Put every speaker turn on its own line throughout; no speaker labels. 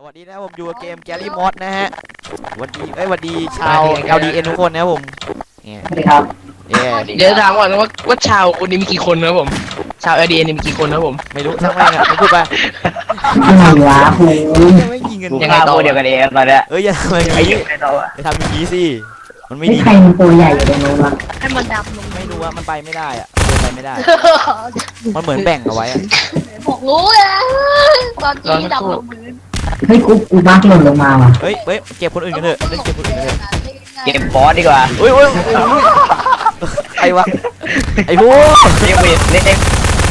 วัสดีนะผมอยู่กับเกมแกลี่มอสนะฮะวันดีสวัสดีชาว LDN ทุกคนนะครับผมเนี่ย
สวัสดีครับ
เดี๋ยวถามก่อนว่าชาวคนนี้มีกี่คนนะครับผมชาว LDN นี่มีกี่คนนะครับผม
ไม่รู้ช่างแม่งอะไม่พูดไป
อะไรวะครู
ยังไม่ยิงกัน
ยังไงต่อ
เดียวกันเองตอนเนี้ย
อย่าทำอย่าง
ไอ้
นี้
ยังไงต่อวะ
ไปทำอย่างนี้สิมันไม่
ไม่
ดี
ใครมันตัวใหญ่อยู่ตรงนู้นวะ
ให้มันดำลง
ไม่รู้ว่ามันไปไม่ได้อะเดินไปไม่ได้มันเหมือนแบ่งเอาไว้อะ
บอกรู้อะตอนที่ดำลงพื้น
เฮ้ยกูบักหล่นลงมาว่ะ
เฮ้ยเก็บคนอื่นกันเถอะเล่นเก็บคนอื่นกันเถอะ
เกมบอสดีกว่า
เฮ้ยไอ้วะไอ้พวก
เรียกเวทเล็ก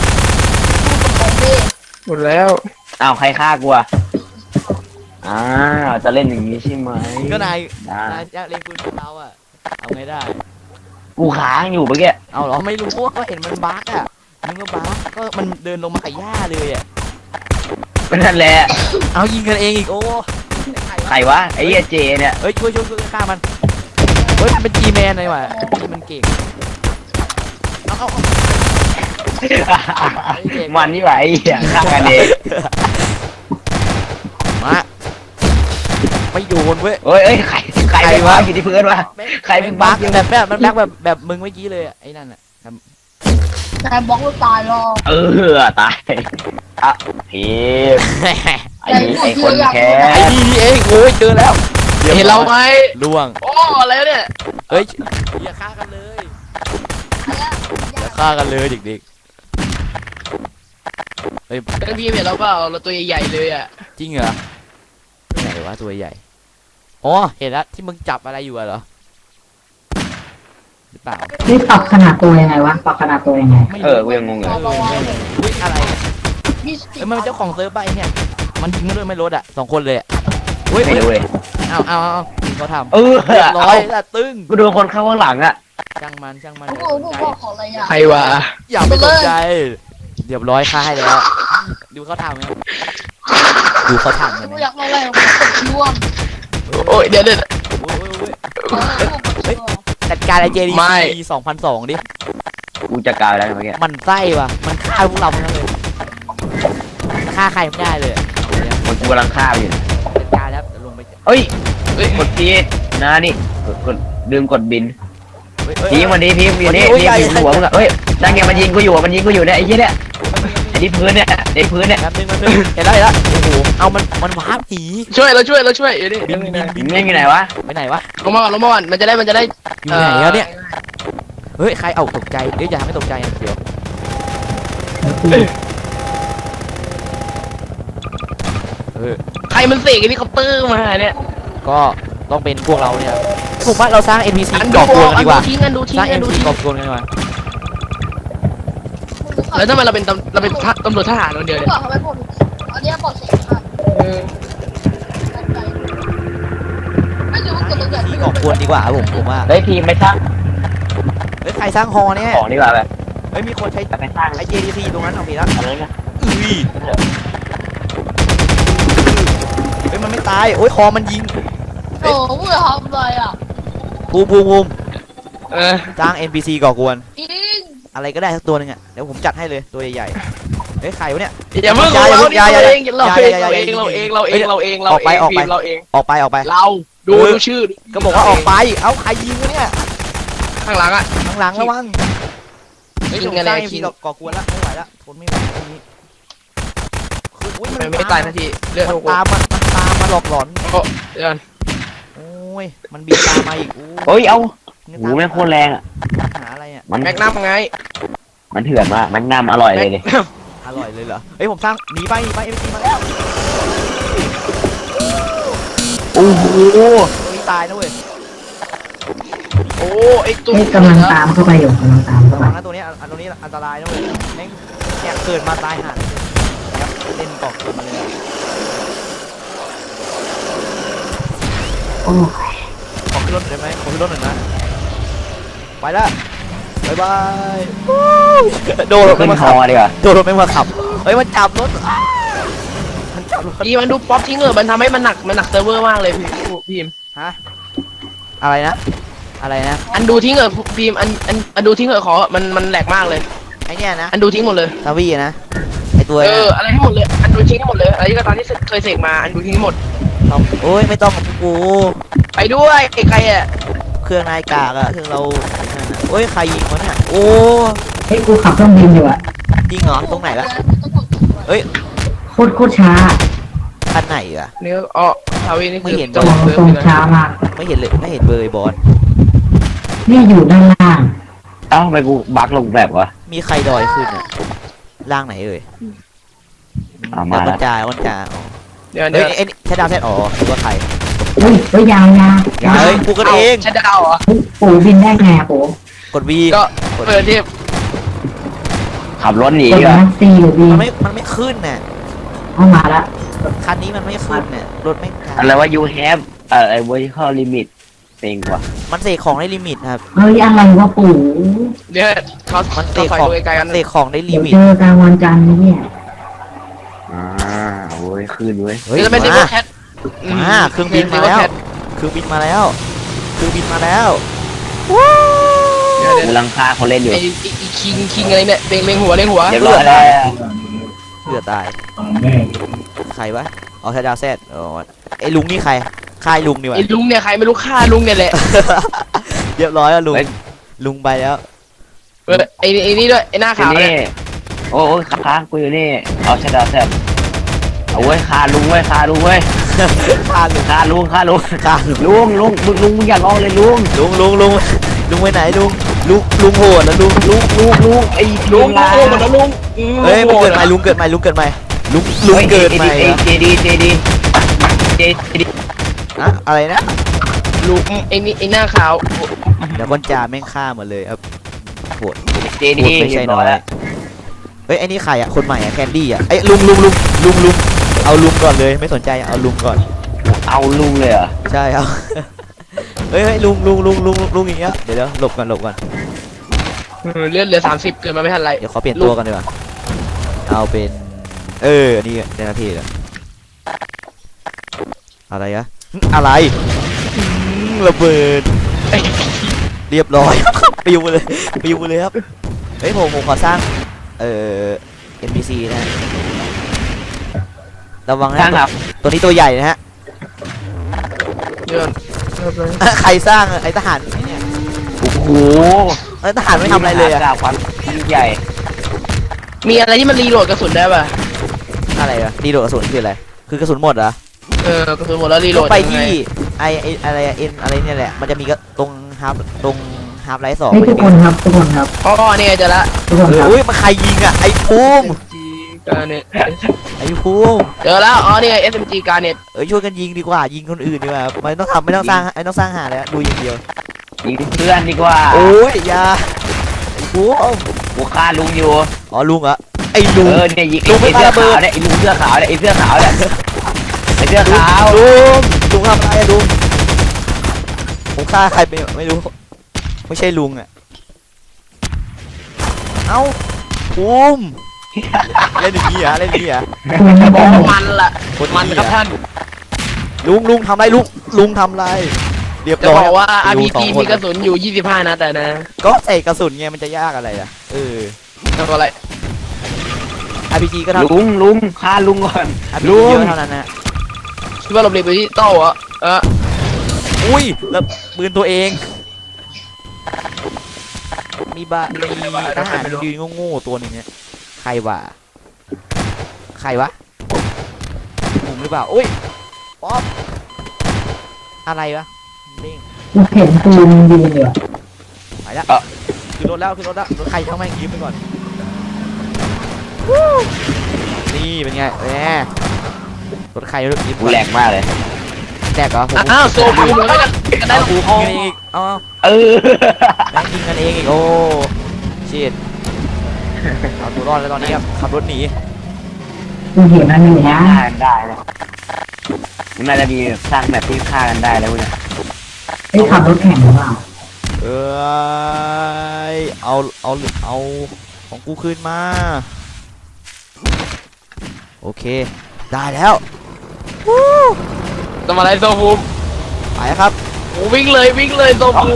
หมดแล้ว
อ้าวใครฆ่ากูอ่ะจะเล่นอย่างนี้ใช่ไหม
ก็นาย
ได้
อยากเล่นปืนของเราอะเอาไงได้
กูค้างอยู่เมื่อกี้
เอาเหรอไม่รู้ก็เห็นมันบั๊กอะมึงก็บั๊กก็มันเดินลงมากับหญ้าเลยอะ
ก็นั่นแหละ
เอายิงกันเองอีกโอ้
ใครวะไอ้เหี้ยเจเนี่ย
เฮ้ยช่วยฆ่ามันเฮ้ยมันเป็นจีแมนเลยว่ะมันเก่งเอา
มันนี่ไหวไอ้เหี้ยฆ่ากันเอง
มาไม่โยนเว้ย
เอ้ยใครวะอยู่ที่พื้นวะใครเป็นบั๊ก
แบบมันบั๊กแบบมึงเมื่อกี้เลยไอ้นั่นอะ
แต่บล็อกเราตายหรอก
ตายอ่ะพีมไอ้คนแค่
ไอ้นี่เองโอ้ยเจอแล้ว
เห็นเราไหม
ล่วง
โอ้อะไรวะเนี่ย
เฮ้ยอย่าฆ่ากันเลยอย่าฆ่ากันเลยเด็กๆเฮ้ย
ท่านพี่เห็นเราเปล่าเราตัวใหญ่ๆเลยอ่ะ
จริงเหรอไหนวะตัวใหญ่อ๋อเห็นแล้วที่มึงจับอะไรอยู่อะเหรอหรือเปล่า
นี่ปรับขนาดตัวยังไงวะปรับขนาดตัวยังไง
กูยังงงเลย
อุ้ยอะไร
มีสติ
เอ้ยมันเป็นเจ้าของเซิร์ฟไปเนี่ยมันยิงมาด้วยไม่ลดอ่ะ2 คนเลยอุ้ย
ไม่รู้เลย
เอาเขาทำ
เรียบร้
ร้
อ
อย ยละตึ้ง
กูโดนคนเข้าข้างหลังอ่ะ
ช่างมัน
ลูกบอกขออะไรอ่ะ
ใครวะ
อย่าไปสนใจเรียบร้อยค่าให้แล้วดูเขาทำไหมดูเขาทำกัน
ลู
ไห
ก
ม
อยากอะไรกดช่วง
โอ้ยเดี๋ยว
จัดการไอเจดี
ไม่
ปี2002ดิ
กูจะกลายแล้วเมื่อกี้
มันไส้ว่ะมันฆ่าพวกเราทั้งนั้นเลยฆ่าใครไม่ได้เลย
มันกูกำลังฆ่าอยู่
จัดการแล้วจะลงไป
เอ้ยกดพีนะนี่กดลืมกดบินพีวันนี้พีอยู่นี่พีอยู่หัวมึงอะเฮ้ยนั่งไงมันยิงกูอยู่เนี่ยไอ้เหี้ยเนี่ยไอ้ที่พื้นเนี่ยไอ้พื้นเนี่ย
แป๊บนึงเห็นแล้วโอ้โหเอามันวาร์ปหนี
ช่วยเดี๋ยวนี้
บิน
มึงอยู่ไหนวะ
ไปไหนวะ
ลงมาก่อนมันจะได้
อยู่ไหนแล้วเนี่ยเฮ้ยใครเอาตกใจเดี๋ยวอย่าทำให้ตกใจเดี๋ยว
ใครมันเสกเฮลิคอปเตอร์มาเนี่ย
ก็ต้องเป็นพวกเราเนี่ยผมว่าเราสร้าง NPC
อัน
ก่
ดู
อกวนกันดีกว่า
ทิ้ง
สร้าง NPC ก่อกวนกันดีกว่า
แล้วทำไมเราเป็นตำรวจทหารคนเดียว
ลูก
เนี่ย
บอกทำไมปลดอันนี้ปลดเสกค่ะไม่รู้ว่าเกิดอะไร
ที่ก่อกวนดีกว่าผมว่า
เฮ้ยพีไม่สร้าง
เฮ้ยใครสร้างฮอเนี่ย
ของดีกว่าแบบ
เฮ้ยมีคนใช้
จะไปสร้าง
ไอ JDC ตรงนั้นเอาไปแล้ว
อะไรนะ
เฮ้ยมันไม่ตายโอ้ยคอมันยิง
โอ้โหทำอะไรอ่ะ
ภูมิ สร้าง NPC ก่อกวน
จริง
อะไรก็ได้สักตัวนึงอ่ะเดี๋ยวผมจัดให้เลยตัวใหญ่ๆเฮ้ยใครวะเนี่ย
อย่าเพิ่งเราเองเราดูชื่อ
ก็บอกว่าออกไปเอ้าใครยิงวะเนี่ย
ข้างหลังอ่ะ
ข้างหลังระวังเฮ้ย
ยิ
ผ
ง
ม
กัน
สร้าง
เลย
NPC ก่อกวนแล้วไม่ไหวแล้วทนไม่ไหวตรงนี้คืออุ้ยมัน
ไม่ตายทันทีเลือด
มันตามมาหลอกหลอน
เดี๋ยว
โอ้ยมันบินตามมาอีก
เฮ้ยเอาหูแม่งโคตรแรงอ่ะ
หาอะไรอ่ะ
มัน
แม็กนัมไง
มันเถื่อนมากแม็กนัมอร่อยเลยดิ
อร่อยเลยเหรอเฮ้ยผมสร้างหนีไปเอ็มซีมาแล้ว
โอ้โห
นี่ตายนะเว้ย
โอ้ไอตัว
เฮ้ยกำลังตามเข้าไปอยู่กำลังตามเข้า
ระ
ไป
วังนะตัวนี้ตัวนี้อันตรายนะเว้ยแม่งเนี่ยเกิดมาตายห่าครับเล่นก่อกวนมาเลย
โอ้ย
ขอขึ้นรถได้ไหมขอขึ้นรถหน่อยนะไปละบายบายโดนรถ
ขึ้น
ไม่มา
ค
ขั
อบ ดีกว่า
โดนรถไม่มาขับเฮ้ยมันจับรถมันจับรถ
อีมันดูป๊อปทิ้งมันทำให้มันหนักเซิร์ฟเวอร์มากเลยพิม
ฮะอะไรนะ
อันดูทิ้งพิมอันดูทิ้งขอมันแหลกมากเลย
ไอเนี่ยนะ
อันดูทิ้งหมดเลย
ซาวี่นะไอตัว
อะไรทั้งหมดเลยอันดูทิ้งทั้งหมดเลยอะไรก็ตามที่เคยเสกมาอันดูทิ้งทั้งหมด
โอ้ยไม่ต้องของกู
ไปด้วยใครอ่ะ
เครื่องนายกากอะเครื่องเรานั่นน่ะโอ้ยใครยิงวะเนี่ยโอ้
เฮ้ยกูขับเครื่องบินอยู่อะ
จริงเหรอตรงไหนละเอ้ย
โคตรช้า
คันไหนอะ
นี่อ๋อทาวีนี่คือ
ไม่เห็น
ตรงตรงช้ามาก
ไม่เห็นเลยไม่เห็นเบอร์บอล
นี่อยู่ด้านล่าง
เอ้าทำไมกูบักลงแบบวะ
มีใครดอยขึ้นอะล่างไหนเอ่ย
มา
บร
แล้ว
รจาบรรจา
เดี๋ยว
เฮ้ยเอ็นใช้ดาวเซตอ๋อหรือว่าใคร
อุ้ยเฮ้ยยาวยาว
เฮ้ยกูกันเอง
ใช่ดาวเหรอ
ปู่บินได้ไงอะปู่
กดวี
ก็เปิดที่
ขับรถหนี
กด
ดีกว่า
นะซีหรือบี
มันไม่ขึ้นน่ะ
เอามาละ
คันนี้มันไม่ขึ้นน่ะรถไม่
อะไรว่า you have ไอ้ vertical limit เต็งกว่า
มันเสกของได้ลิมิตครับ
เฮ้ยอะไรวะปู่
เดี๋ยวเขา
มันเส
เขา
ก
ใส่
ของ
ตัวไกลๆกัน
เสกของได้ลิ
เดี๋ยว
มิต
เจอกันวันจันทร์เนี่ย
โว้ยขึ้นเว้ย
เฮ้ย
จะเป็นซิง
มา
เกิลแคท
เครื่องบินมาแล้วเครื่องบินมาแล้วเครื่องบินมาแล้วว้าว
กูลังคาเขาเล่นอยู่
ไอ้คิงอะไรเนี่ยเล็งหัว
เรียบร้อยแล้ว
เกือตายใครวะเอาใช้ดาวเซตอ๋อไอ้ลุงนี่ใครค่ายลุงดีกว่า
ไอ้ลุงเนี่ยใครไม่รู้ฆ่าลุงเนี่ยแหละ
เรียบร้อยแล้วลุงลุงไปแล้ว
ไอ้นี่ด้วยไอ้หน้า
อยู่
ขาวเนี่
นี่
ย
โอ้ยค้างกูอยู่นี่เอาชะดาแซบเอาเว้ยคาลุงเว้ยคาลุงเว้ย
ค่าลุง
คาลุง
ค่าลุง
ลุงมึงอย่าร้องเลยลุง
ลุงไปไหนลุงโหดแล้วลุง
ไอ้
ลุง
ลา
โอ้หมดแล้วลุง
เฮ้ยมันเกิดใหม่ลุงเกิดใหม่ลุงเกิดใหม่ลุงเกิดใหม่
เจดี
อะอะไรนะ
ลุงไอ้นี่ไอ้หน้าขาว
เดี๋ยวก้อนจ่าแม่งฆ่าหมดเลยครับโหด
เจ
โห
ดี
ดไม่ใช่น้อยเฮ้ยไอ้นี่ใครอ่ะคนใหม่อ่ะแคนดี้อ่ะไอ้ลุงเอาลุงก่อนเลยไม่สนใจเอาลุงก่อน
เอาลุงเลยเหรอ
ใช่เอา เฮ้ยลุงอย่างเงี้ยเดี๋ยวหลบก่อน
เลือดเหลือ30เกินมาไม่ทันไร
เดี๋ยวขอเปลี่ยนตัวกันดีกว่าเอาเป็นอันนี้ในนาทีเลยอะไรอะอะไรระเบิดเรียบร้อย ปิวเลยครับเฮ้ยผมขอสร้างNPC นะระวัง
สร้าง
นะครับ ตัวนี้ตัวใหญ่นะฮะ
เดือน
ใครสร้างไอ้ทหารเนี่ย
โอ้โห
ทหารไม่ทำอะไรเลยอะ
กาความยิ่งใหญ่
มีอะไรที่มันรีโหลดกระสุนได้ป่ะ
อะไรอะรีโหลดกระสุนคืออะไรคือกระสุนหมดเหรอ
กระสุนหมดแล้วรีโหล
ต้อ
ด
งไปที่ไออะไรเอ็นอะไรเนี่ยแหละมันจะมีตรงฮาร์ปไลท์2
เฮ้ยทุกคนครับ
อ๋อเนี่ยจะละ
ทุกคนครับ
อุ้ยมันใครยิงอ่ะไอ้ภูมิ
เนี่ย
ไอ้ภูมิ
เจอแล้วอ๋อเนี่ย SMG การเน็ต
ช่วยกันยิงดีกว่ายิงคนอื่นดีกว่าไม่ต้องสร้างหาแล้วดูอย่างเดียว
ยิงเพื่อนดีกว่า
โอ้ยอย่าไอ้ภูมิ
กูฆ่าลุงอยู่
อ๋อลุงเหรอไอ้ลุง
เนี่ยยิง
ลุงไม่
ไอ้เสื้อ
ปาระเบิ
ขา
ด
วเนี่ยไอ้ลุงเสื้อขาวเนี่ยไอ้เสื้อขาวเนี่ยไอ้เสื้อขาว
ลุงทำอะไรอะลุงผมฆ่าใครไปไม่รู้ไม่ใช่ลุงอ่ะเอ้าภูมิเล่นอย่างนี้เหรอ
คุณไม่
บ
ได้
อกมันละ
คน
มัน
นี้
ครับ
อะ
ท่าน
ลุงทำไรลุงทำไรเรียบ
จะ
ร้อย
บอกว่า
อยู่
RPG
สองค
มีกระสุนอยู่25นัดแต่นะ
ก็ใส่กระสุนไงมันจะยากอะไรอ่ะ
ทำอะไร
RPG ก็เท่า
ลุงฆ่าลุงก่อน
RPG
ลุง
เยอะเท่านั้นนะ
คิดว่าเราเรียนไปที่โต้เหรอ
อุ้ยแล้วปืนตัวเองมีทหารยืนโง่ๆตัวหนึงเนี่ยใครวะผมหรือเปล่าอุ้ยป๊อปอะไรวะเด้ง
กูเห็นปูนยืนอยู่อะ
ไปแล้วขึ้นรถแล้วรถใครทั้งแม่งยิ้มไปก่อนนี่เป็นไงรถใครรถยิ้ม
กูแรงมากเลย
แตกเหรอผม
อ้าวโซฟูเหมือนกันได้
เอากูยิงกันเองอีกเอา แม่งยิงกันเองอีกโอ้ชิดเอาตัวรอดแล้วตอนนี้ครับขับรถหนี
กูเห็นมันอยู่นะ
ฆ่ากันได้เลยมันน่าจะมีสร้างแบบที่ฆ่ากันได้แล้วเนี่ย
ไอ้ยขับรถแข่งหรือเปล่า
เอาของกูคืนมาโอเคได้แล้ว
ทำอะไรโซฟู
ไปครับ
วิ่งเลยโซฟู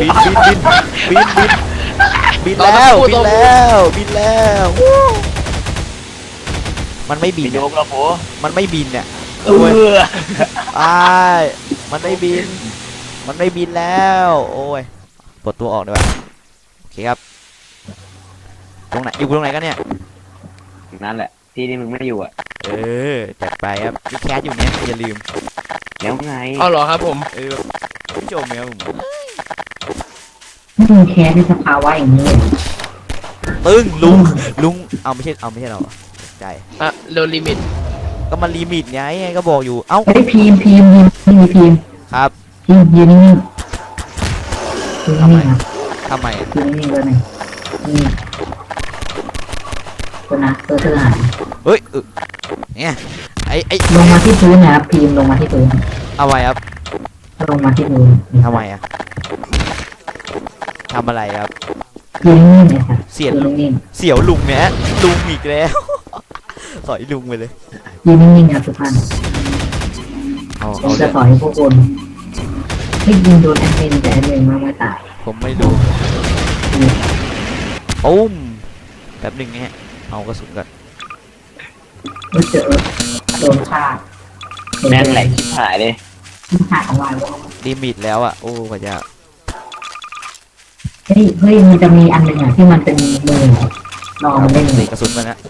บินแล้วมันไม่บิ
บิ
น
นโย
อะ
กเราโผ
มันไม่บินเนี่ย
เออ
อ้ายมันไม่บิน มันไม่บินแล้ว โอ้ยปลดตัวออกดีกว่าโอเคครับ ตรงไหน อยู่ตรงไหนกันเนี่ย
นั่นแหละที่ที่มึงไม่อยู่อ่ะ
เออ จัดไปครับมีแคสอยู่เนี่ยอย่าลืม
แล้วไง
อ๋อเหรอครับผม
ผู้ชมครับผม
นี่มึงแคสในสภาวะอย่างนี้เลย
ตึ้งลุง เอาไม่ใช่เราเหรอใจ
อ่ะโดนลิมิต
ก็มันลิมิตไงก็บอกอยู่ เอ้า
เฮ้ยพิมพ์
ครับ
ยืนนิ่งๆยืนนิ่งๆครับ
ทำไมอะ
ยืนนิ่งๆเลยนี่ตัวนะตัวเธอหาย
เฮ้ยเนี่ยไอ้
ลงมาที่พื้นนะครับพิมพ์ลงมาที่พื้น
เอาไว้ครับ
ลงมาที่พื้น
ทำไมอะทำอะไรครับ
ยืนนิ่งๆเลยครับ
เสียด
ยืนนิ่ง
เสียวลุงเนี่ยลุงอีกแล้ว สอยลุงไปเลย
ๆยืนนิ่งๆครับทุกท่าน
เอา
ผ
เอา
ม
เล
จะ
ย
สอนให้พวกคุณให้ยิงโดนแอดมินแต่แอดมินไม่ตาย
ผมไม่รู้อุ้มแป๊บหนึ่งนะฮะเอากระสุนก่อน
ก็เจอโดนฆ่า
แม่งแหลกชิบหายเลย
ฆ่าของเรา
ลิมิตแล้วอ่ะโอ้พระเจ้า
เฮ้ยมันจะมีอันหนึ่งอ่ะที่มันเป็นมือลองเล่น
ตีกระสุนมานะ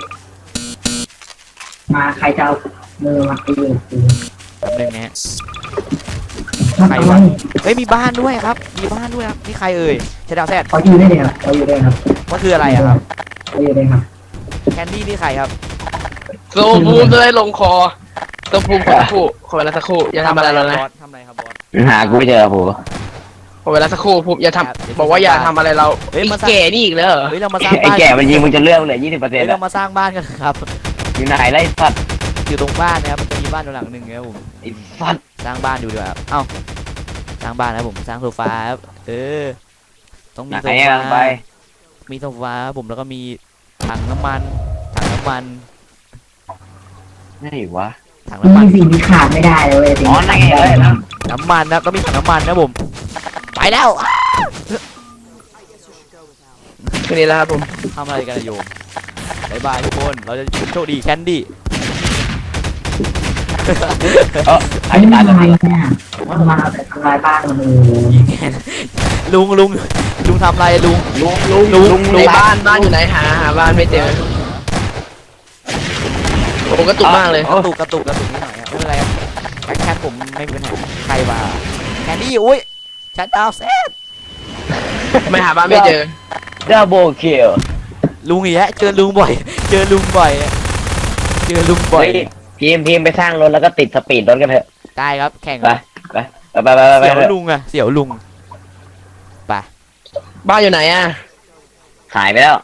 มาใครจะเอามือมาตีตี
แป๊บหนึ่งนะฮะ
มา
ใคร
เอา
วะ เฮ้ยมีบ้านด้วยครับ มีบ้านด้วยครับนี่ใครเอ่ยชาดาวแซด
เขาอยู่ได้เลยครับเขาอยู่ได้ครับ
มันคืออะไรอะครับ
เขาอยู่ได้ครับ
แคนดี้นี่ใครครับ
โซบูมจะได้ลงคอโซบูมขอสักครู่ขอเวลาสักครู่อย่าทำอะไรเรานะ
บอสทำอะไรครับบอส
หากูไม่เจอโผ
ขอเวลาสักครู่ผมอย่าทำบอกว่าอย่าทำอะไรเรา
เฮ้ย
ไอ้
มาสร้าง
แก่นี่อีกแล้วเหรอ
เฮ้ยเรามาสร้าง
ไอ้
บ้าน
แก่มันยิงมึงจะเลื่อนเหลือ20%
เฮ้ย
อ่ะ
เรามาสร้างบ้านกันครับ
อยู่ไหนไล่สัตว์
อยู่ตรงบ้านนะครับมันจะมีบ้านอยู่หลังหนึ่งครับผม
ไอ้สัตว์
สร้างบ้านอยู่ดีกว่าครับเอ้าสร้างบ้านนะผมสร้างโซฟาครับต้องมี
ไหน
โซ
อ่ะ
ฟา
ไป
มีโซฟาครับผมแล้วก็มีถังน้ำมัน
ไหนวะ
ถัง
นี่
น้ำมัน
สิ่งที่ขาดไม่ได้เลยเว้ยสิ่ง
อ๋อ
ที่
นั่
ขาน ด
ไง
ไม่ได้
เลยนะ
น้ำมันนะต้องมีถังน้ำมันนะผมไปแล้ว
คืนนี้แล้วครับผม
ทำอะไรกันอะโยมบายบายทุกคนเราจะโชคดีแคนดี้
เออ
ไอ้
ไอ้
นี่
ตา
มัน
ย
อะ
แล้ว
ไรเนี่ยมันมาแต่ทำลายบ้านมันเลย
ลุงทำอะไรลุง
ลุง
ในบ้านอยู่ไหนหาบ้านไม่เจอโอ้กระตุกมากเลย
กระตุกนิดหน่อยครับไม่เป็นไรครับแค่ผมไม่มีปัญหาใครมาแคนดี้อุ้ยชัดดาวเซต
ไม่หาบ้านไม่เจอ
ดับเบิลคิล
ลุงอีกแล้วเจอลุงบ่อยเจอลุงบ่อย
เฮ้ยพิมพ์ไปสร้างรถแล้วก็ติดสปีดรถกันเถอะ
ได้ครับแข่ง
ไปไปไป
เสี่ยวลุงอะเสี่ยวลุงไป
บ้านอยู่ไหนอ่ะ
หายไปแล้ว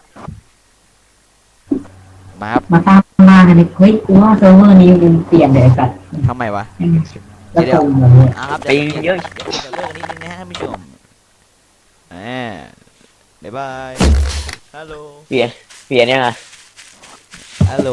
มาครับ
มาสร้างบ้านกันดิเฮ้ยกูว่าเซิร์ฟเวอร์นี้มันเปลี่ยนเลยไอ้สัตว์
ทำไมวะ
แล้วโกงเหมือนเลย
ครับ
ปิงเยอะ
เดี๋ยวเลิกนิดนึงนะฮะท่านผู้ชมบ๊ายบายฮัลโหล
เปลี่ยนยังไง
ฮัลโหล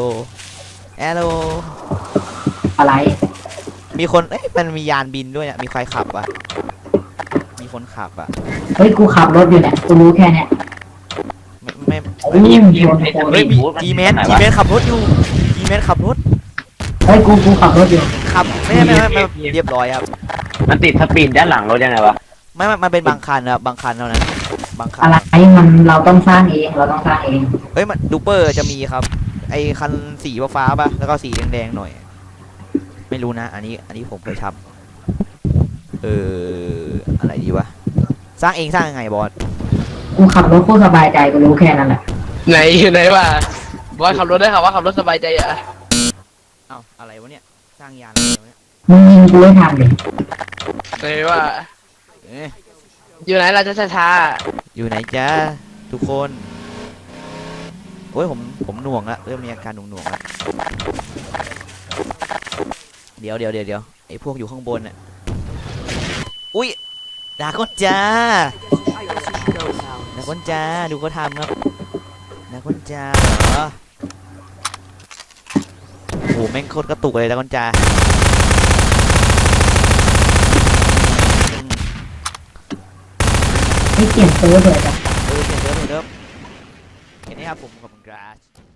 อะไร
มีคนมันมียานบินด้วยอะมีใครขับอ่ะมีคนขับอ่ะ
เฮ้ยกูขับรถอยู่เนี่ยกูรู้แค่เนี้ย
ไม่
ยิ้มชน
เฮ้ยมีจีแมนขับรถอยู่จีแมนขับรถ
เฮ้ยกูขับรถอยู่
ขับไม่เรียบร้อยครับ
มันติดสปีดด้านหลังรถยังไงวะ
ไม่มันเป็นบางคันครับบางคันเท่านั้นบางคัน
อะไรมันเราต้องสร้างเอง
เฮ้ยมันดูเปอร์จะมีครับ ไอคันสีฟ้าๆป่ะแล้วก็สีแดงๆหน่อย ไม่รู้นะ อันนี้ผมเคยทำอะไรดีวะสร้างเองสร้างยังไงบอส
กูขับรถโคตรสบายใจกูรู้แค่นั้นแหละ
ไหนอยู่ไหนวะบอยขับรถได้ค่ะว่าขับรถสบายใจอ่ะ
เอ้าอะไรวะเนี่ยสร้างยานอะไรวะเนี่ย
มึงยิงกูให้ทันดิ
ไหนว่า อยู่ไหนเราจะช้า
อยู่ไหนจ้าทุกคนโอ้ยผมหน่วงละเริ่มมีอาการหน่วงละเดี๋ยวไอพวกอยู่ข้างบนน่ะอุ้ยดาก้อนจ้าดูเขาทำครับดาก้อนจ้าเหรอโอ้โหแม่งโคตรกระตุกเลยดาก้อนจ้า
ไม่เปลี่ยนเซิร์ฟเลยจ้ะ
เปลี่ยนเดิมแค่นี้ครับผมขอบคุณครับ